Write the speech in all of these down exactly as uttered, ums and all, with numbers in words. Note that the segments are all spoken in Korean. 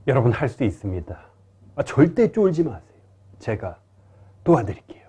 여러분 할 수 있습니다. 아, 절대 쫄지 마세요. 제가 도와드릴게요.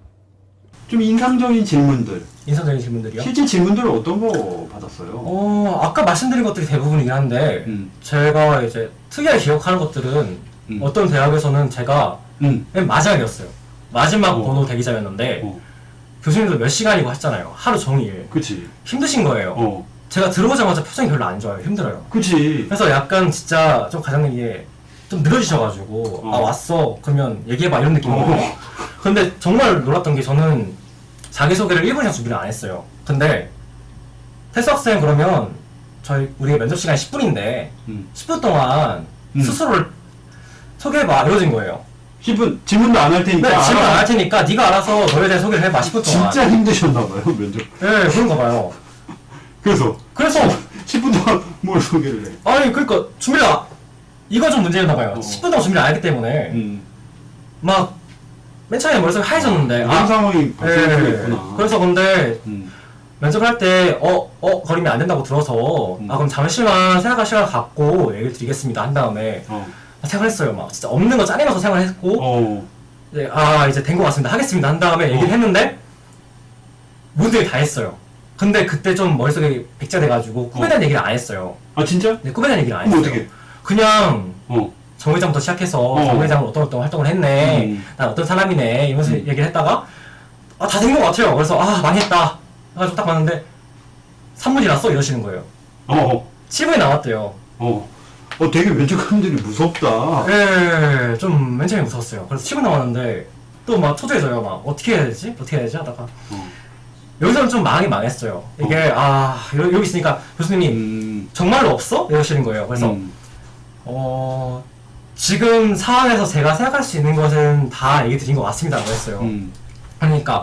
좀 인상적인 질문들. 인상적인 질문들이요? 실제 질문들을 어떤 거 받았어요? 어, 아까 말씀드린 것들이 대부분이긴 한데, 음. 제가 이제 특이하게 기억하는 것들은 음. 어떤 대학에서는 제가 음. 맨 마지막이었어요. 마지막 어. 번호 대기자였는데, 어. 교수님도 몇 시간이고 하셨잖아요. 하루 종일. 그치. 힘드신 거예요. 어. 제가 들어오자마자 표정이 별로 안 좋아요. 힘들어요. 그치. 그래서 약간 진짜 좀 과장님이 좀 늘어지셔가지고, 어. 아, 왔어. 그러면 얘기해봐. 이런 느낌이거든요. 어. 근데 정말 놀랐던 게 저는 자기소개를 일 분 이상 준비를 안 했어요. 근데 태수 학생 그러면 저희 우리 면접 시간이 십 분인데 음. 십 분 동안 음. 스스로를 소개해봐 이러진 거예요. 십 분 질문도 안 할 테니까. 네, 질문 알아. 안 할 테니까 네가 알아서 너에 대해 소개를 해봐 십 분 동안. 진짜 힘드셨나봐요, 면접. 네, 그런가 봐요. 그래서 그래서 십 분 동안 뭘 소개를 해? 아니 그러니까 준비를 안- 이거 좀 문제였나 봐요. 어. 십 분 동안 준비를 안 했기 때문에 음. 막 맨 처음에 머릿속이 하얘졌는데 이런 상황이 발생했구나. 네. 그래서 근데 음. 면접을 할 때, 어, 어, 거리면 안 된다고 들어서, 음. 아, 그럼 잠시만 생각할 시간을 갖고 얘기를 드리겠습니다. 한 다음에, 어. 아, 생각했어요. 막, 진짜 없는 거 짜내면서 생각을 했고, 어. 이제, 아, 이제 된 것 같습니다. 하겠습니다. 한 다음에 얘기를 어. 했는데, 모든 게 다 했어요. 근데 그때 좀 머릿속에 백자돼가지고, 꿈에 어. 대한 얘기를 안 했어요. 아, 진짜? 네, 꿈에 대한 얘기를 안 그럼 했어요. 어떻게? 그냥, 어. 정 회장부터 시작해서, 어. 정 회장은 어떤 어떤 활동을 했네, 음. 난 어떤 사람이네, 이러면서 음. 얘기를 했다가, 아, 다 된 것 같아요. 그래서, 아, 많이 했다. 해가지고 딱 봤는데, 삼 분 지났어? 이러시는 거예요. 어. 어. 칠 분이 남았대요. 어. 어, 되게 면접관들이 무섭다. 예, 좀 맨 처음에 무서웠어요. 그래서 칠 분 남았는데, 또 막 초조해져요. 막, 어떻게 해야 되지? 어떻게 해야 되지? 하다가. 어. 여기서는 좀 망이 망했어요. 이게, 아, 여- 여기 있으니까 교수님이 음. 정말로 없어? 이러시는 거예요. 그래서, 음. 어, 지금 상황에서 제가 생각할 수 있는 것은 다 얘기 드린 것 같습니다. 라고 했어요. 음. 그러니까,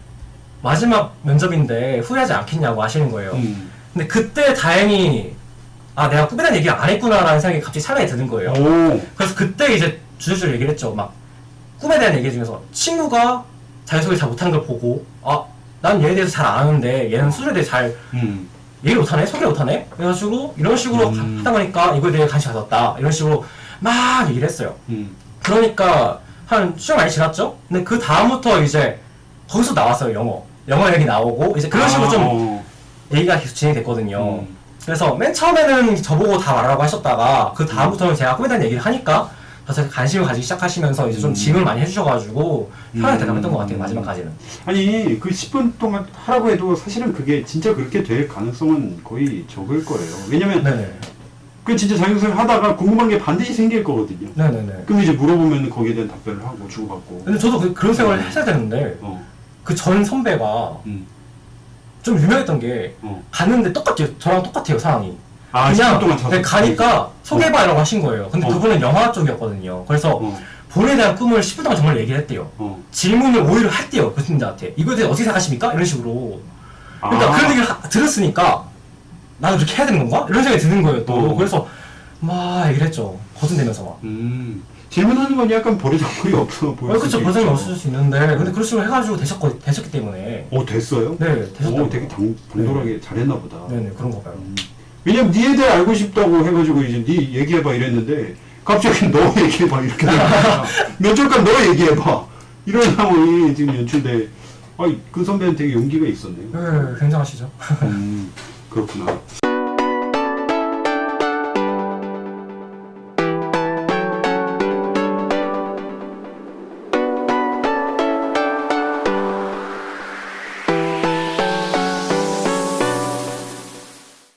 마지막 면접인데 후회하지 않겠냐고 하시는 거예요. 음. 근데 그때 다행히, 아, 내가 꿈에 대한 얘기를 안 했구나라는 생각이 갑자기 찰나에 드는 거예요. 오. 그래서 그때 이제 주저주저 얘기를 했죠. 막 꿈에 대한 얘기 중에서 친구가 자기소개 잘 못하는 걸 보고, 아, 난 얘에 대해서 잘 아는데 얘는 수술에 대해 잘 음. 얘기를 못하네? 소개를 못하네? 그래가지고 이런 식으로 음. 하다 보니까 이거에 대해 관심 가졌다. 이런 식으로 막 얘기를 했어요. 음. 그러니까 한 시간 많이 지났죠? 근데 그 다음부터 이제 거기서 나왔어요. 영어. 영어 얘기 나오고 이제 그런 식으로 아, 좀 어. 얘기가 계속 진행됐거든요. 음. 그래서 맨 처음에는 저보고 다 말하라고 하셨다가 그 다음부터는 제가 꿈에 대한 얘기를 하니까 다들 관심을 가지기 시작하시면서 이제 좀 음. 질문을 많이 해주셔가지고 편하게 음. 대답했던 것 같아요. 마지막까지는. 아니, 그 십 분 동안 하라고 해도 사실은 그게 진짜 그렇게 될 가능성은 거의 적을 거예요. 왜냐면, 네네. 그 진짜 자기소개 하다가 궁금한 게 반드시 생길 거거든요. 네네네. 그럼 이제 물어보면 거기에 대한 답변을 하고 주고받고. 근데 저도 그, 그런 생각을 했어야 되는데 어. 그 전 선배가 음. 좀 유명했던 게 어. 갔는데 똑같아요. 저랑 똑같아요. 상황이. 아, 십 분 그냥 동안 자소. 네, 가니까 소개해봐라고 하신 거예요. 근데 어. 그분은 영화 쪽이었거든요. 그래서 어. 본인에 대한 꿈을 십 분 동안 정말 얘기를 했대요. 어. 질문을 오히려 했대요. 교수님들한테. 이거에 대해 어떻게 생각하십니까? 이런 식으로. 그러니까 아. 그런 얘기를 하- 들었으니까 나도 그렇게 해야 되는 건가? 이런 생각이 드는 거예요 또. 어. 그래서 막 얘기를 했죠. 거둔대면서 막. 음. 질문하는 건 약간 버리장물이 없어 보여. 어, 그쵸. 버전이 없을 수 있는데 근데 그런 식으로 해가지고 되셨거, 되셨기 때문에 어, 됐어요? 네 되셨다고. 오, 되게 당, 당돌하게 잘했나 보다. 네네 그런 거 봐요. 음. 왜냐면 니에 대해 알고 싶다고 해가지고 이제 니 얘기해봐 이랬는데 갑자기 너 얘기해봐 이렇게 되니까 면접관 너 얘기해봐 이런 상황이 지금 연출돼. 아이 그 선배는 되게 용기가 있었네요. 네 굉장하시죠. 음, 그렇구나.